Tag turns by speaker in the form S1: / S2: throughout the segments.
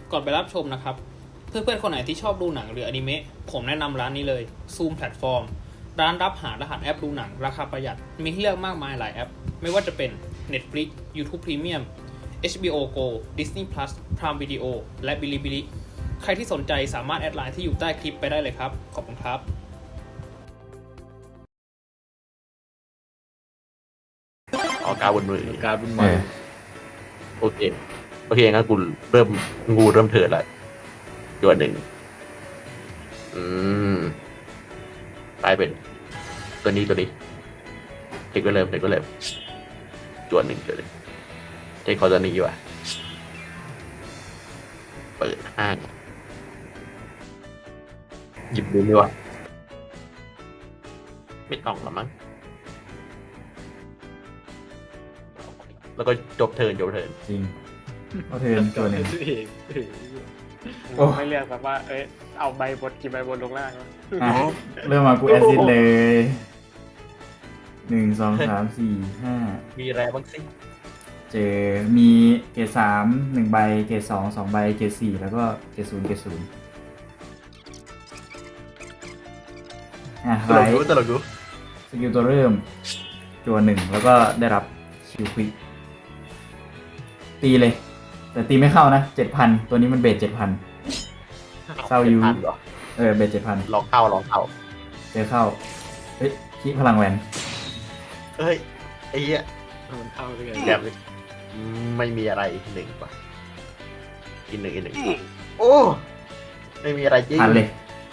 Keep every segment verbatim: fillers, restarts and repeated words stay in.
S1: ก่อนไปรับชมนะครับเพื่อนๆคนไหนที่ชอบดูหนังหรืออนิเมะผมแนะนำร้านนี้เลย Zoom Platform ร้านรับหารหัสแอปดูหนังราคาประหยัดมีให้เลือกมากมายหลายแอปไม่ว่าจะเป็น Netflix YouTube Premium เอช บี โอ Go Disney Plus Prime Video และ Bilibili ใครที่สนใจสามารถแอดไลน์ที่อยู่ใต้คลิปไปได้เลยครับขอบคุณครับ
S2: ออกการบนมือ
S3: การบุญ
S4: เอ
S3: มา
S4: อ
S2: โอเคโอเคงั้นกูเริ่มงูเริ่มเถิดละตัวหนึ่งอืมกลายเป็นตัวนี้ตัวนี้เทคก็เริ่มเทคก็เริ่มจวนหนึ่งจวนหนึ่งเทคคอตัวนี้ว่ะเปิดห้างหยิบดูดีวะไม่ต้องหรอมั้งแล้วก็จบเทิร์นจบเทิร์น
S4: จริงเอาเทิร์นตัวหนึ่ง
S3: เอง
S4: โอ้
S5: ไม่เลือกแบบว่า เอ้ย เอาใบบนกี่ใบบนลงล่างวะ
S4: อ่ะเริ่มมากูแอซิดเลยหนึ่งสองสามสี่ห้า
S2: มีอะไรบ้างสิ
S4: เจอมีเกรดสามหนึ่งใบเกรดสองสองใบเกรดสี่แล้วก็เกรดศูนย์เกรดศูนย์อ่ะ
S2: ต
S4: ไล
S2: ลก
S4: ท์
S2: ดูตลกดู
S4: สกิลตัวเริ่มจัวหนึ่งแล้วก็ได้รับคิวควิกตีเลย แต่ตีไม่เข้านะเจ็ดพันตัวนี้มันเบสเจ็ดพัน เศร้าอยู่
S2: พันเหรอ
S4: เออเบสเจ็ดพัน
S2: ลองเข้าลองเข้า
S4: เจอเข้าเฮ้ยคิพลังแหวน
S2: เฮ้ยไอ้เหี้ย
S3: มันเข้าด้วยกัน
S2: แบบไม่มีอะไรหนึ่งป่ะอีกหนึ่งอีกหนึ่งโอ้ไม่มีอะไรจริง
S4: ผ่านเลย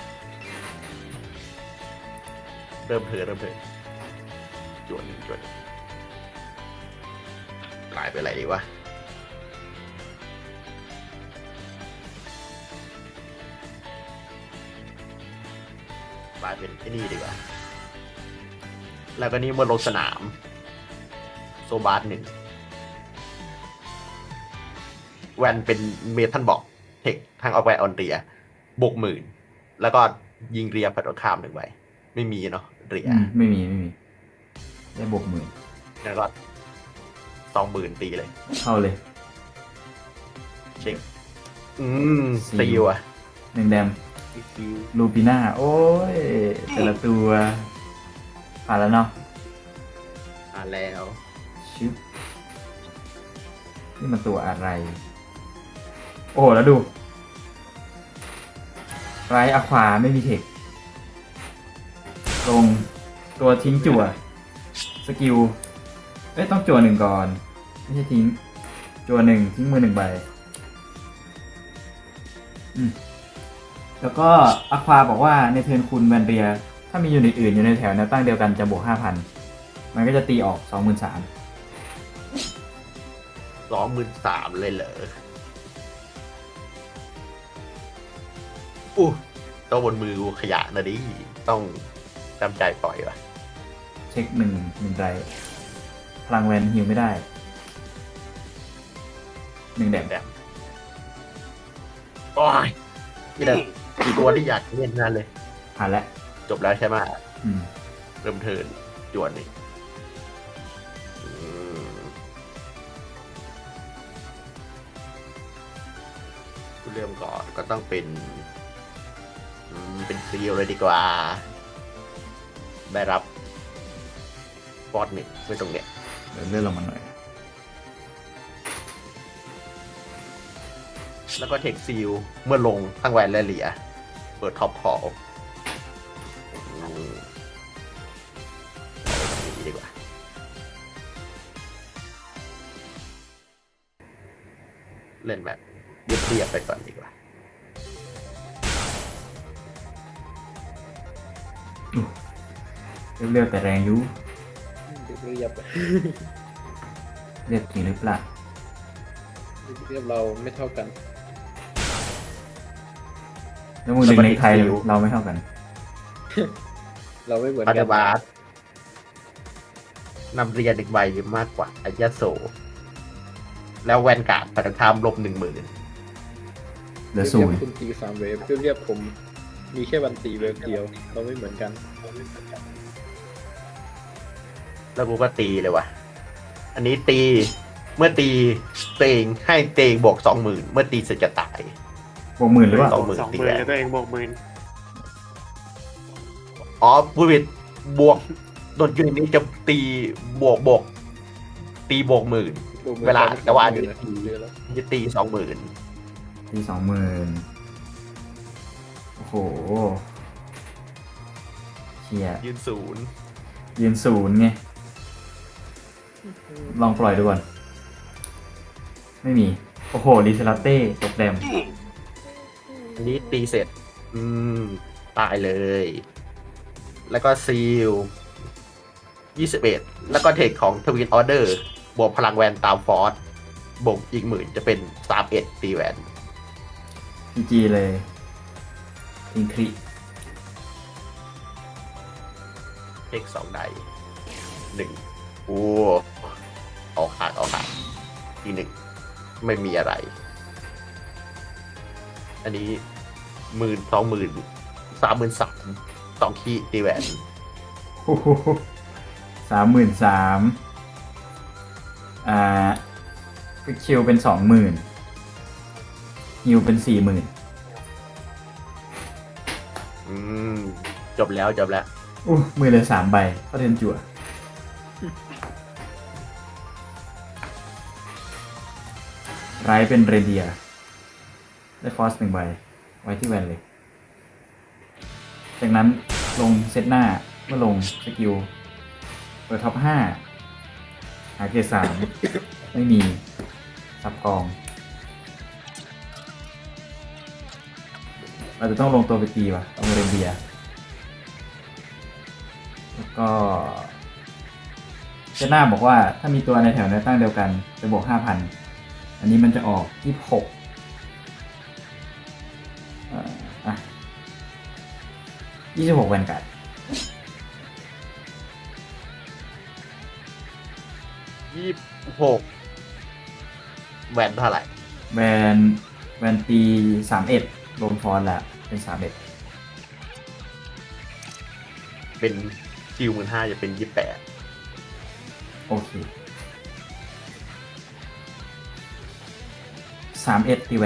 S2: เริ่มเถอะเริ่มเถอะจวนหนึ่งจวนหนึ่งกลายเป็นอะไรดีวะกลายเป็นไอ้นี่ดีกว่าแล้วก็นี่บนลงสนามโซบาสหนึ่งแวนเป็นเมทัลบอกเทคทางออกไปออนเรียบวกหมื่นแล้วก็ยิงเรียผัดตรงข้ามหนึ่งใบไม่มีเนาะเรีย
S4: อืมไม่มีไม่มีได้บวกหมื่น
S2: แล้วก็สองหมื่นตีเลย
S4: เข้าเลย
S2: เช็คอืม
S4: สี่
S2: ตีว่ะ
S4: หนึ่งแดม
S2: คิว
S4: ลูปิน่าโอ้ยแต่ละตัวผ่านแล้วเนาะ
S2: อ่าแล้ว
S4: ชิปนี่มันตัวอะไร โอ้แล้วดูไรอะควาไม่มีเทคลงตัวทิ้งจั่วสกิลเอ้ยต้องจั่วหนึ่งก่อน ไม่ใช่ทิ้ง จั่วหนึ่งทิ้งมือหนึ่งใบอืมแล้วก็อะควาบอกว่าในเทิร์นคุณแวนเรีย ถ้ามียูนิตอื่นอยู่ในแถวแนวตั้งเดียวกันจะบวกห้าพันมันก็จะตีออกสองหมื่นสาม
S2: สองหมื่นสามเลยเหรออู้ตัวบนมือกูขยะนะดิต้องจำใจปล่อยว่ะ
S4: เช็คหนึ่งหนึ่งไรพลังแวนฮิวไม่ได้หนึ่งแดม
S2: แบบโอ้ยนี่แหละคือตัวที่อยากเล่นนั่นเลย
S4: ผ่านแล้ว
S2: จบแล้วใช่ไหม
S4: อืม
S2: เริ่มเทิร์นจวนนี่อืมเริ่มก่อนก็ต้องเป็นอืมเป็นซีลเลยดีกว่า ได้รับฟอร์ดหนึ่งไว้ตรงเนี้ย
S4: เดี๋ยวเลื่อนลงมาหน่อย
S2: แล้วก็เทคซีลเมื่อลงทั้งแวนและเหลีย เปิดท็อปพอลดีกว่า เล่นแบบเรียบๆไปก่อนดีกว่า
S4: เรียวๆแต่แรงอยุ
S3: เรียบ
S4: เรียบจริงหรือเปล่า
S3: เรียบเราไม่เท่ากัน
S4: แล้วมึงดึงในไทยเราไม่เท่ากัน
S3: เราไม่เหมือน
S2: ปา
S3: กั
S2: ฏิบาสนำเรียนอีกใบมากกว่าอายาโซ แล้วแวนการ์ดปัตตามลบหนึ่งหมื่น
S4: เหลือศูนย์
S3: คุณตีสามเวฟเรียบผมมีแค่วันตีเวฟเดียว เราไม่เหมือนกัน
S2: แล้วกูก็ตีเลยว่ะ อันนี้ตีเมื่อตีเตงให้เตงบวกสองหมื่นเมื่อตีเสร็จจะตาย
S4: บวกหมื่นหรือเปล่า
S2: สองหมื่น
S5: สองห
S2: ตี
S5: มื่
S2: แห
S5: น
S2: วน
S5: แล้วตัวเองบวกหมื่น
S2: อ๋อผู้ผิดบวกโดนยูนิตนี้จะตีบวกบวกตีบวกหมื่น
S3: ดูหมือน
S2: เวลา
S3: จะ
S2: แต่ว่า
S3: เยอะเยอะแล้ว
S2: จะตีสองหมื่น
S4: ตีสองหมื่นโอ้โหเชีย
S2: ยืนศูนย์
S4: ยืนศูนย์ไง ลองปล่อยดูก่อน ไม่มี โอ้โหลิซลาเต้ตกแดม
S2: อันนี้ตีเสร็จ อืม ตายเลย แล้วก็ซีลยี่สิบเอ็ดแล้วก็เทคของทวินออเดอร์บวกพลังแวนตามฟอร์สบวกอีกหมื่นจะเป็นสามเอ็ดตีแวน
S4: พีจีเลยอินคริ
S2: เทคสองไดหนึ่งโอ้ออกขาดออกขาดทีหนึ่งไม่มีอะไร อันนี้หมื่นสองหมื่นสามหมื่นสามสองขีดตีแหวน
S4: สามหมื่นสามอ่าฟิกคิวเป็นสองหมื่นฮิวเป็นสี่หมื่น
S2: อืม จบแล้วจบแล้ว
S4: อู้มือเหลยสามใบก็เทนจั่วไรเป็นเรเดียได้ฟอสหนึ่งใบ ไว้ที่แวนเลย จากนั้นลงเซตหน้าเมื่อลงสกิลเปิดท็อปห้าหาเกรดสาม ไม่มีสับกอง เราจะต้องลงตัวไปตีว่ะเอาเรนเดียแล้วก็เซตหน้าบอกว่าถ้ามีตัวในแถวแนวตั้งเดียวกันจะบวกห้าพันอันนี้มันจะออกยี่สิบหกอ่ะยี่สิบหกแวนการ์ด
S2: ยี่สิบหกแวนเท่าไหร่
S4: แวนแวนตีสามเอ็ดรวมฟอนต์แล้วเป็นสามเอ็ด
S2: เป็นคิวหมื่นห้าจะเป็นยี่สิบแปด
S4: โอเคสามเอ็ดตีแวน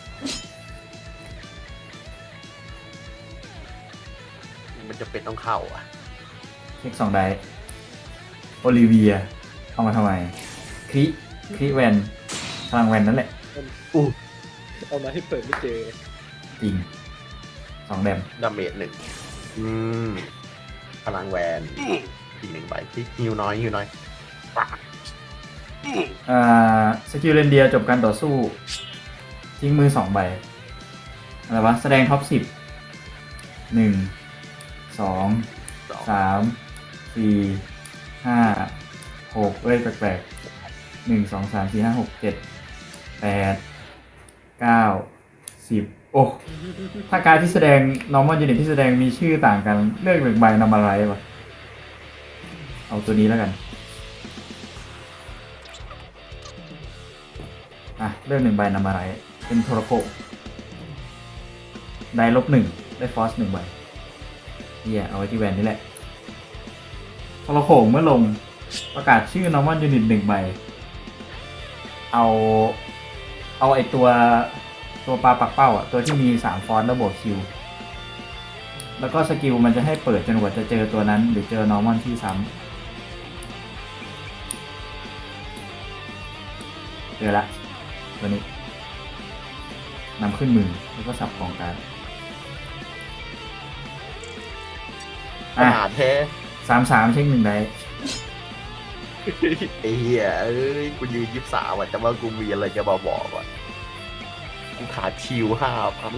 S2: มันจะเป็นต้องเข้าอ่ะ
S4: เช็คสองไดโอลิเวียเอามาทำไมคริคริแวนพลังแวนนั่นแหละ
S2: อู้
S3: เอามาให้เปิดไม่เจอ
S4: จริงสองแดม
S2: ดาเมจหนึ่งอืม พลังแวนอีกหนึ่งใบที่ฮิวน้อยฮิวน้อยปาก
S4: อ่าสกิลเรนเดียจบการต่อสู้ ทิ้งมือสองใบ อะไรวะ แสดงท็อปสิบหนึ่งสอง
S2: สอง
S4: สามสี่ห้าหกเอ้ยแปลกๆหนึ่งสองสามสี่ห้าหกเจ็ดแปดเก้าสิบโอ้ถ้าการดที่แสดง normal unit ที่แสดงมีชื่อต่างกัน เลือกหนึ่งใบนำอะไรวะเอาตัวนี้แล้วกัน อ่ะเลือกหนึ่งใบนำอะไร เป็นโทรโคได้ลบหนึ่งได้ฟอสหนึ่งใบเฮียเอาไว้ที่แวนนี่แหละโทรโคเมื่อลงประกาศชื่อ normal unit หนึ่งใบ เอา เอาไอตัวตัวปลาปักเป้าอ่ะ ตัวที่มีสามฟอนต์แล้วบวกคิว แล้วก็สกิลมันจะให้เปิดจนกว่าจะเจอตัวนั้น หรือเจอ normal ที่ซ้ำเจอละ ตัวนี้นำขึ้นมือแล้วก็สับของการด
S2: ข
S4: อ่ะ
S2: นาดแท้
S4: สามสามเช็คหนึ่งได้
S2: ไอ้เหี้ยเอ้ย กูยืนยี่สิบสามอ่ะแต่ว่ากูมีอะไรจะมาบอกอ่ะ กูขาดชิวห้าพัน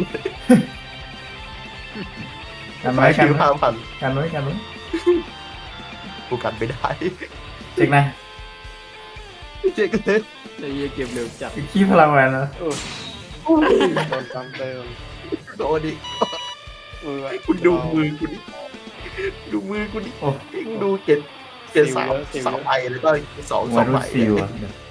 S4: กันไว้
S2: ขาด
S4: กัน
S2: ชิว
S4: ไว้
S2: ห้าพัน
S4: กันไว้กันไว้
S2: กูกันไม่ได้
S4: เช็คนะ
S2: เจ๊กันเลย
S3: ไอ้เหี้ยเกมเร็วจัด
S4: ขี้พลังแวนนะ
S5: โดนซ้ำเติม
S2: โดนดิ
S5: มือ
S2: คุณดูมือกูดิ ดูมือกูดิ
S4: โอ้
S2: ดูเจ็ดเจ็ดสามสามใบแล้วก็สองส
S4: วา
S2: อง
S4: รุ
S2: ใบ
S4: ซิลอ่ะเดี๋ยว